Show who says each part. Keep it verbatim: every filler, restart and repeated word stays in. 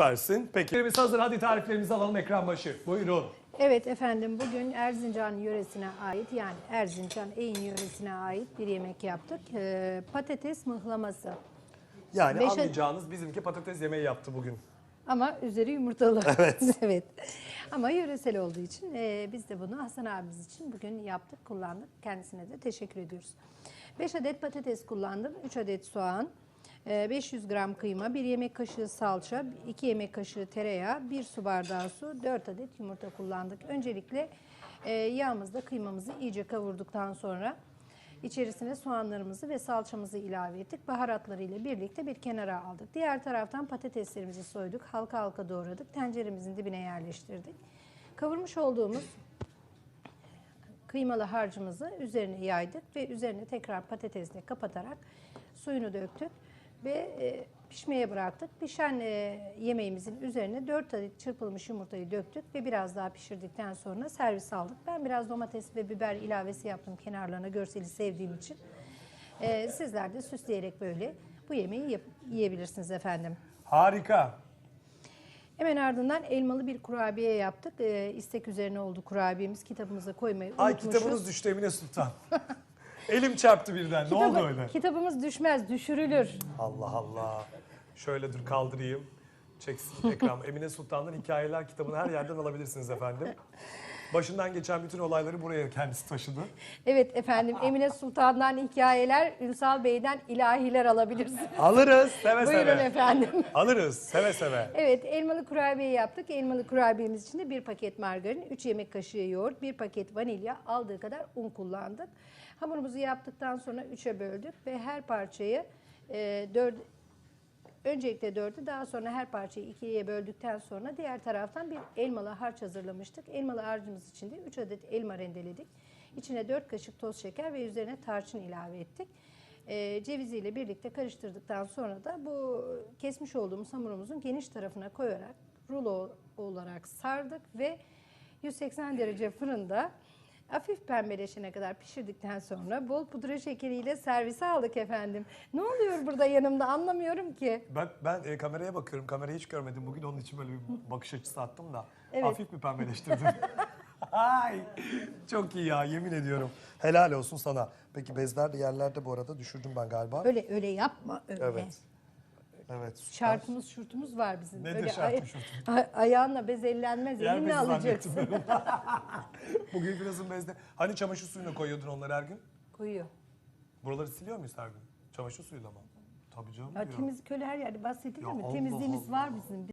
Speaker 1: Süpersin. Peki. Biz hazır. Hadi tariflerimizi alalım ekran başı. Buyurun.
Speaker 2: Evet efendim, bugün Erzincan yöresine ait, yani Erzincan Eğin yöresine ait bir yemek yaptık. Ee, patates mıhlaması.
Speaker 1: Yani
Speaker 2: Beşe-
Speaker 1: anlayacağınız bizimki patates yemeği yaptı bugün.
Speaker 2: Ama üzeri yumurtalı.
Speaker 1: Evet.
Speaker 2: Evet. Ama yöresel olduğu için e, biz de bunu Hasan abimiz için bugün yaptık, kullandık. Kendisine de teşekkür ediyoruz. beş adet patates kullandım, üç adet soğan, e, beş yüz gram kıyma, bir yemek kaşığı salça, iki yemek kaşığı tereyağı, bir su bardağı su, dört adet yumurta kullandık. Öncelikle e, yağımızda kıymamızı iyice kavurduktan sonra İçerisine soğanlarımızı ve salçamızı ilave ettik. Baharatları ile birlikte bir kenara aldık. Diğer taraftan patateslerimizi soyduk. Halka halka doğradık. Tenceremizin dibine yerleştirdik. Kavurmuş olduğumuz kıymalı harcımızı üzerine yaydık ve üzerine tekrar patatesle kapatarak suyunu döktük ve e, pişmeye bıraktık. Pişen e, yemeğimizin üzerine dört adet çırpılmış yumurtayı döktük ve biraz daha pişirdikten sonra servis aldık. Ben biraz domates ve biber ilavesi yaptım kenarlarına, görseli sevdiğim için. E, sizler de süsleyerek böyle bu yemeği yap- yiyebilirsiniz efendim.
Speaker 1: Harika.
Speaker 2: Hemen ardından elmalı bir kurabiye yaptık. E, istek üzerine oldu kurabiyemiz. Kitabımıza koymayı
Speaker 1: Ay
Speaker 2: unutmuşuz.
Speaker 1: kitabınız düştü Emine Sultan. Elim çarptı birden. Ne oldu öyle?
Speaker 2: Kitabımız düşmez, düşürülür.
Speaker 1: Allah Allah. Şöyle dur kaldırayım. Çeksin ekran. Emine Sultan'dan Hikayeler kitabını her yerden alabilirsiniz efendim. Başından geçen bütün olayları buraya kendisi taşıdı.
Speaker 2: Evet efendim, Emine Sultan'dan hikayeler, Ünsal Bey'den ilahiler alabilirsiniz.
Speaker 1: Alırız seve
Speaker 2: Buyurun
Speaker 1: seve.
Speaker 2: efendim.
Speaker 1: Alırız seve seve.
Speaker 2: Evet, elmalı kurabiye yaptık. Elmalı kurabiyemiz için de bir paket margarin, üç yemek kaşığı yoğurt, bir paket vanilya, aldığı kadar un kullandık. Hamurumuzu yaptıktan sonra üçe böldük ve her parçayı e, dört, öncelikle dördü, daha sonra her parçayı ikiye böldükten sonra diğer taraftan bir elmalı harç hazırlamıştık. Elmalı harcımız için de üç adet elma rendeledik. İçine dört kaşık toz şeker ve üzerine tarçın ilave ettik. E, ceviziyle birlikte karıştırdıktan sonra da bu kesmiş olduğumuz hamurumuzun geniş tarafına koyarak rulo olarak sardık ve yüz seksen derece fırında hafif pembeleşene kadar pişirdikten sonra bol pudra şekeriyle servise aldık efendim. Ne oluyor burada yanımda, anlamıyorum ki.
Speaker 1: Ben, ben e, kameraya bakıyorum. Kamerayı hiç görmedim. Bugün onun için böyle bir bakış açısı attım da.
Speaker 2: Evet.
Speaker 1: Hafif bir pembeleştirdim. Ay, çok iyi ya yemin ediyorum. Helal olsun sana. Peki bezler de yerlerde bu arada düşürdüm ben galiba.
Speaker 2: Öyle öyle yapma öyle.
Speaker 1: Evet. Evet. süper.
Speaker 2: Şartımız şurtumuz var bizim.
Speaker 1: Nedir
Speaker 2: öyle
Speaker 1: şartım
Speaker 2: ay-
Speaker 1: şurtum?
Speaker 2: ay- ayağınla bez ellenmez,
Speaker 1: Yer
Speaker 2: elinle
Speaker 1: bezi
Speaker 2: alacaksın.
Speaker 1: zannettim. Bugün birazın bezde. Hani çamaşır suyuna koyuyordun onları her gün?
Speaker 2: Koyuyor.
Speaker 1: Buraları siliyor muyuz her gün? Çamaşır suyuyla mı? Tabii canım
Speaker 2: Ya
Speaker 1: diyorum.
Speaker 2: temizlik öyle her yerde bahsedilir
Speaker 1: Ya
Speaker 2: mi?
Speaker 1: Allah
Speaker 2: Temizliğimiz
Speaker 1: Allah.
Speaker 2: var bizim.